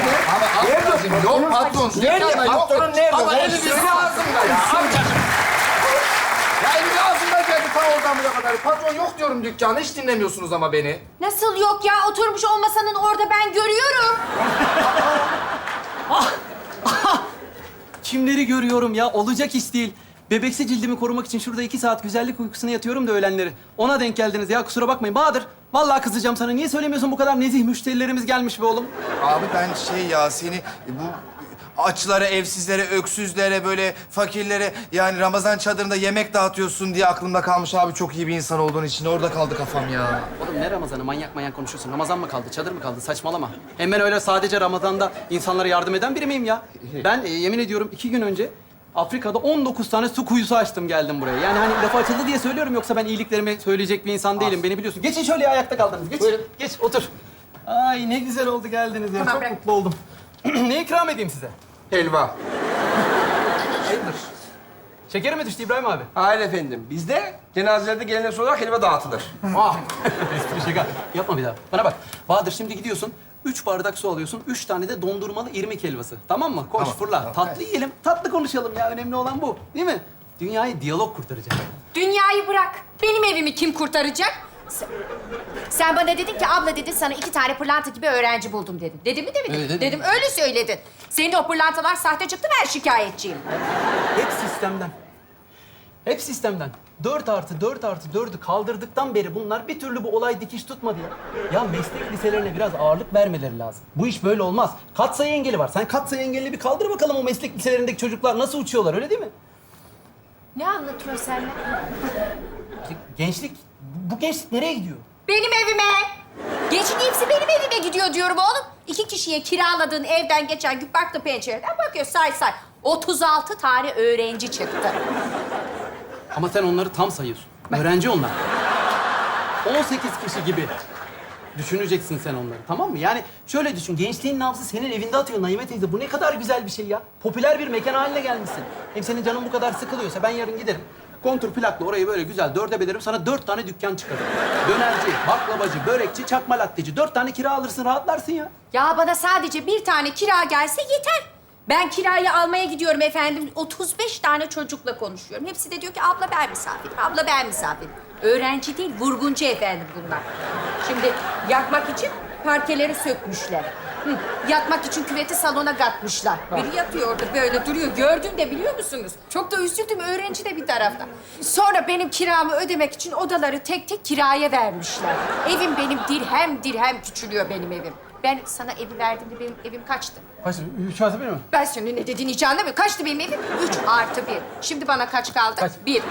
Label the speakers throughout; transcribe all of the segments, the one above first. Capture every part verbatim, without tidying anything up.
Speaker 1: Ama ablacığım yok patron.
Speaker 2: Nerede?
Speaker 1: Dükkanda yok.
Speaker 2: Patronun nerede?
Speaker 1: Ama
Speaker 2: Ver,
Speaker 1: eli bir
Speaker 2: söyle.
Speaker 1: ağzımda ya. Amcacığım. Ya eli ağzımda geldi ta oradan buraya kadar. Patron yok diyorum dükkanda. Hiç dinlemiyorsunuz ama beni.
Speaker 3: Nasıl yok ya? Oturmuş olmasanın orada ben görüyorum.
Speaker 4: Kimleri görüyorum ya? Olacak iş değil. Bebeksi cildimi korumak için şurada iki saat güzellik uykusuna yatıyorum da öğlenleri. Ona denk geldiniz ya. Kusura bakmayın. Bahadır, vallahi kızacağım sana. Niye söylemiyorsun bu kadar nezih müşterilerimiz gelmiş be oğlum?
Speaker 2: Abi ben şey ya seni bu açlara, evsizlere, öksüzlere, böyle fakirlere yani Ramazan çadırında yemek dağıtıyorsun diye aklımda kalmış abi. Çok iyi bir insan olduğun için orada kaldı kafam ya.
Speaker 4: Oğlum ne Ramazan'ı? Manyak manyak konuşuyorsun. Ramazan mı kaldı? Çadır mı kaldı? Saçmalama. Hem ben öyle sadece Ramazan'da insanlara yardım eden biri miyim ya? Ben e, yemin ediyorum iki gün önce Afrika'da on dokuz tane su kuyusu açtım geldim buraya. Yani hani lafı açıldı diye söylüyorum yoksa ben iyiliklerimi söyleyecek bir insan değilim. Beni biliyorsun. Geçin şöyle ya, ayakta kaldınız. Geç.
Speaker 1: Buyurun.
Speaker 4: Geç otur. Ay ne güzel oldu geldiniz ya.
Speaker 3: Tamam,
Speaker 4: Çok
Speaker 3: bırak.
Speaker 4: mutlu oldum. Ne ikram edeyim size?
Speaker 1: Helva.
Speaker 5: Hayırdır?
Speaker 4: Şekeri mi düştü İbrahim abi?
Speaker 5: Hayır efendim. Bizde cenazelerde geleneksel olarak helva dağıtılır.
Speaker 4: Ah! Espri şaka. Yapma bir daha. Bana bak. Bahadır şimdi gidiyorsun. Üç bardak su alıyorsun. Üç tane de dondurmalı irmik helvası. Tamam mı? Koş fırla. Tatlı yiyelim. Tatlı konuşalım ya. Önemli olan bu. Değil mi? Dünyayı diyalog kurtaracak.
Speaker 3: Dünyayı bırak. Benim evimi kim kurtaracak? Sen, sen bana dedin ki abla dedin sana iki tane pırlanta gibi öğrenci buldum dedin. Dedim mi demedin?
Speaker 4: Öyle dedim.
Speaker 3: Dedim öyle söyledin. Senin o pırlantalar sahte çıktı, ben şikayetçiyim.
Speaker 4: Hep sistemden. Hep sistemden. Dört artı dört artı dördü kaldırdıktan beri bunlar bir türlü bu olay dikiş tutmadı ya. Ya meslek liselerine biraz ağırlık vermeleri lazım. Bu iş böyle olmaz. Katsayı engeli var. Sen katsayı engelini bir kaldır bakalım, o meslek liselerindeki çocuklar nasıl uçuyorlar, öyle değil mi?
Speaker 3: Ne anlatıyorsun sen?
Speaker 4: Gençlik, bu gençlik nereye gidiyor?
Speaker 3: Benim evime. Gençliğin hepsi benim evime gidiyor diyorum oğlum. İki kişiye kiraladığın evden geçen gün baktı pencereden bakıyor say say. otuz altı tane öğrenci çıktı.
Speaker 4: Ama sen onları tam sayıyorsun. Öğrenci onlar. on sekiz kişi gibi düşüneceksin sen onları, tamam mı? Yani şöyle düşün, gençliğin nabzı senin evinde atıyor Naime teyze. Bu ne kadar güzel bir şey ya. Popüler bir mekan haline gelmişsin. Hem senin canın bu kadar sıkılıyorsa ben yarın giderim. Kontur plakla orayı böyle güzel dörde bölerim. Sana dört tane dükkan çıkarırım. Dönerci, baklavacı, börekçi, çakma latteci. Dört tane kira alırsın, rahatlarsın ya.
Speaker 3: Ya bana sadece bir tane kira gelse yeter. Ben kirayı almaya gidiyorum efendim. otuz beş tane çocukla konuşuyorum. Hepsi de diyor ki abla ben misafirim, abla ben misafirim. Öğrenci değil, vurguncu efendim bunlar. Şimdi yakmak için parkeleri sökmüşler. Hı, yatmak için küveti salona katmışlar. Biri yatıyor orada böyle duruyor. Gördün de biliyor musunuz? Çok da üzüldüm, öğrenci de bir tarafta. Sonra benim kiramı ödemek için odaları tek tek kiraya vermişler. Evim benim dirhem dirhem küçülüyor benim evim. Ben sana evi verdiğimde benim evim kaçtı?
Speaker 4: Kaç? Üç artı bir mi?
Speaker 3: Ben senin ne dediğini hiç anlamıyorum. Kaçtı benim evim? Üç artı bir. Şimdi bana kaç kaldı?
Speaker 4: Kaç?
Speaker 3: Bir.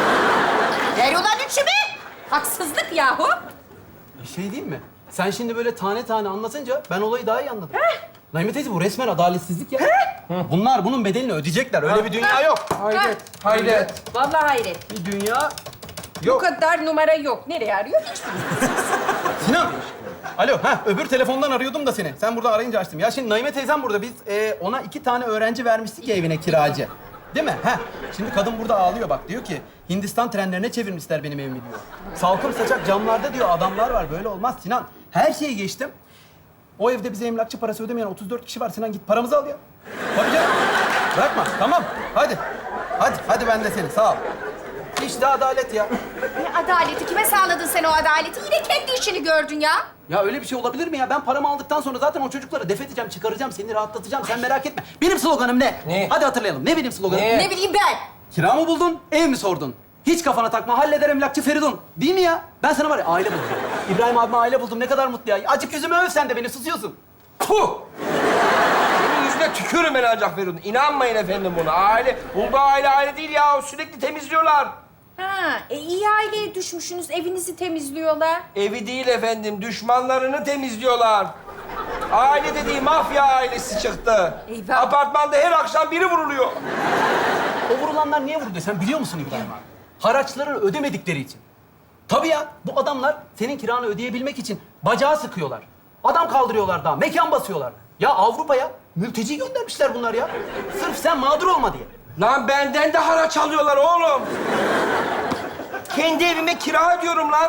Speaker 3: Ver ulan üçümü. Haksızlık yahu.
Speaker 4: Bir şey diyeyim mi? Sen şimdi böyle tane tane anlatınca ben olayı daha iyi anladım. Naime teyze, bu resmen adaletsizlik ya. Bunlar bunun bedelini ödeyecekler. Öyle bir dünya yok.
Speaker 5: Hayret, hayret.
Speaker 3: Vallahi hayret.
Speaker 4: Bir dünya
Speaker 3: Bu kadar numara yok. Nereye arıyor hiç bilmiyorum.
Speaker 4: Sinan. Alo, ha öbür telefondan arıyordum da seni. Sen burada arayınca açtım. Ya şimdi Naime teyzem burada. Biz e, ona iki tane öğrenci vermiştik ya evine kiracı. Değil mi? Ha. Şimdi kadın burada ağlıyor bak. Diyor ki Hindistan trenlerine çevirmişler benim evimi diyor. Salkım saçak camlarda diyor adamlar var. Böyle olmaz Sinan. Her şeyi geçtim. O evde bize emlakçı parası ödemeyen otuz dört kişi var. Sinan git paramızı al ya. Tabii canım. Bırakma. Tamam. Hadi. Hadi. Hadi ben de seni. Sağ ol. İşte adalet ya.
Speaker 3: Ne adaleti? Kime sağladın sen o adaleti? Yine kendi işini gördün ya.
Speaker 4: Ya öyle bir şey olabilir mi ya? Ben paramı aldıktan sonra zaten o çocukları def edeceğim, çıkaracağım, seni rahatlatacağım. Sen merak etme. Benim sloganım ne?
Speaker 5: Ne?
Speaker 4: Hadi hatırlayalım. Ne benim sloganım?
Speaker 5: Ne?
Speaker 3: Ne bileyim ben.
Speaker 4: Kira mı buldun, ev mi sordun? Hiç kafana takma, halleder emlakçı Feridun. Değil mi ya? Ben sana var ya aile buldum. İbrahim abime aile buldum. Ne kadar mutlu ya. Acık yüzümü öv sen de beni, susuyorsun.
Speaker 5: Puh! Senin yüzüne tükürüm ben ancak Feridun. İnanmayın efendim buna. Aile, bulduğu aile aile değil ya. Sürekli temizliyorlar.
Speaker 3: Ha, e, iyi aileye düşmüşsünüz. Evinizi temizliyorlar.
Speaker 5: Evi değil efendim, düşmanlarını temizliyorlar. Aile dediği mafya ailesi çıktı.
Speaker 3: Eyvah.
Speaker 5: Apartmanda her akşam biri vuruluyor.
Speaker 4: O vurulanlar niye vurdu sen biliyor musun İbrahim abi? Haraçlarını ödemedikleri için. Tabii ya, bu adamlar senin kiranı ödeyebilmek için bacağı sıkıyorlar. Adam kaldırıyorlar daha, mekan basıyorlar. Ya Avrupa'ya mülteci göndermişler bunlar ya. Sırf sen mağdur olma diye.
Speaker 5: Lan benden de haraç alıyorlar oğlum. Kendi evime kira ödüyorum lan.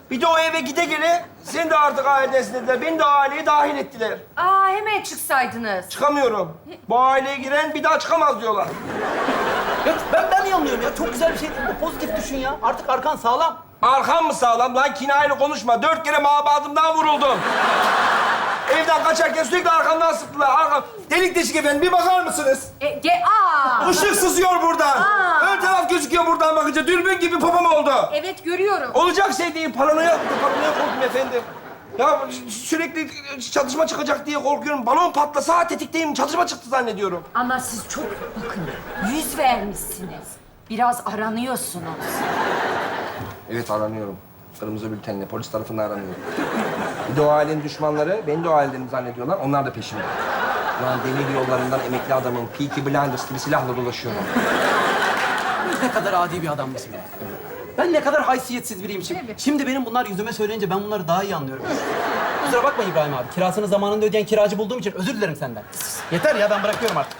Speaker 5: Bir de o eve gide gele sen de artık ailedesin dediler. Beni de aileye dahil ettiler.
Speaker 3: Aa hemen çıksaydınız.
Speaker 5: Çıkamıyorum. Bu aileye giren bir daha çıkamaz diyorlar.
Speaker 4: Ya ben, ben yanılıyorum ya. Çok güzel bir şey değil mi? Pozitif düşün ya. Artık arkan sağlam.
Speaker 5: Arkam mı sağlam lan? Kinayeli konuşma. Dört kere mabadımdan vuruldum. Evden kaçarken sürekli arkamdan sıktılar. Arkam. Delik deşik efendim. Bir bakar mısınız?
Speaker 3: E, ge aa.
Speaker 5: Işık sızıyor buradan.
Speaker 3: Aa.
Speaker 5: Ön taraf gözüküyor buradan bakınca. Dürbün gibi popom oldu.
Speaker 3: Evet görüyorum.
Speaker 5: Olacak şey değil. Paranoya, paranoya korktum efendim. Ya sürekli çatışma çıkacak diye korkuyorum. Balon patlasa tetikteyim. Çatışma çıktı zannediyorum.
Speaker 3: Ama siz çok bakın yüz vermişsiniz. Biraz aranıyorsunuz.
Speaker 5: Evet aranıyorum. Kırmızı bültenle polis tarafından aranıyorum. Bir de o ailenin düşmanları beni de o aileden zannediyorlar. Onlar da peşimde. Lan demir yollarından emekli adamın Peaky Blinders gibi silahla dolaşıyorum.
Speaker 4: Ne kadar adi bir adam mısın? Ben ne kadar haysiyetsiz biriymişim. Şimdi benim bunlar yüzüme söyleyince ben bunları daha iyi anlıyorum. Kusura bakma İbrahim abi. Kirasını zamanında ödeyen kiracı bulduğum için özür dilerim senden. Yeter ya, ben bırakıyorum artık.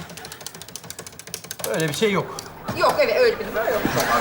Speaker 4: Öyle bir şey yok.
Speaker 3: Yok evet öyle bir durum yok.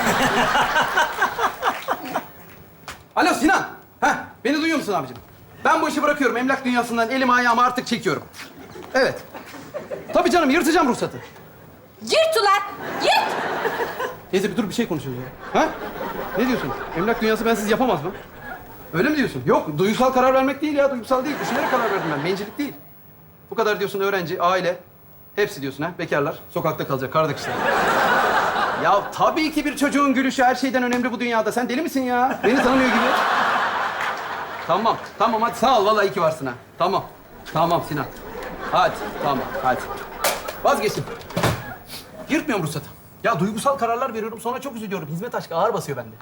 Speaker 4: Alo Sinan. Heh, beni duyuyor musun abicim? Ben bu işi bırakıyorum. Emlak dünyasından elimi ayağımı artık çekiyorum. Evet. Tabii canım, yırtacağım ruhsatı.
Speaker 3: Yırt ulan! Yırt!
Speaker 4: Teyze bir dur, bir şey konuşuyoruz ya. Ha? Ne diyorsun? Emlak dünyası bensiz yapamaz mı? Öyle mi diyorsun? Yok, duygusal karar vermek değil ya. Duygusal değil. Düşünerek karar verdim ben. Bencillik değil. Bu kadar diyorsun öğrenci, aile. Hepsi diyorsun ha. Bekarlar. Sokakta kalacak. Kardak işte. Ya tabii ki bir çocuğun gülüşü her şeyden önemli bu dünyada. Sen deli misin ya? Beni tanımıyor gibi. Tamam, tamam hadi sağ ol. Vallahi iyi ki varsın ha. Tamam, tamam Sinan. Hadi, tamam, hadi. Vazgeçtim. Yırtmıyorum ruhsatı. Ya duygusal kararlar veriyorum, sonra çok üzülüyorum. Hizmet aşkı ağır basıyor bende.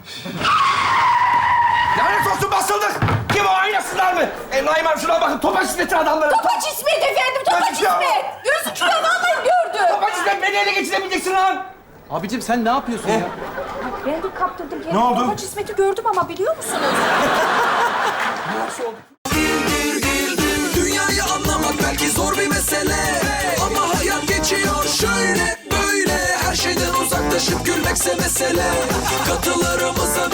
Speaker 5: Lanet olsun basıldık. Kim o aynasızlar mı? E Naim abi şuna bakın. Topaç İsmet'in adamları.
Speaker 3: Topaç İsmet efendim, Topaç
Speaker 5: Topaç ya.
Speaker 3: İsmet! Gözüküyor, vallahi gördüm.
Speaker 5: Topaç İsmet beni ele geçiremeyeceksin lan.
Speaker 4: Abicim sen ne yapıyorsun ya?
Speaker 3: Ben de kaptırdım kendimi.
Speaker 5: Ne oldu?
Speaker 3: Topaç İsmet'i gördüm ama biliyor musunuz?
Speaker 6: Dünyayı anlamak belki zor bir mesele, ama hayat geçiyor şöyle böyle. Her şeyden uzaklaşıp gülmekse mesele. Katılarımıza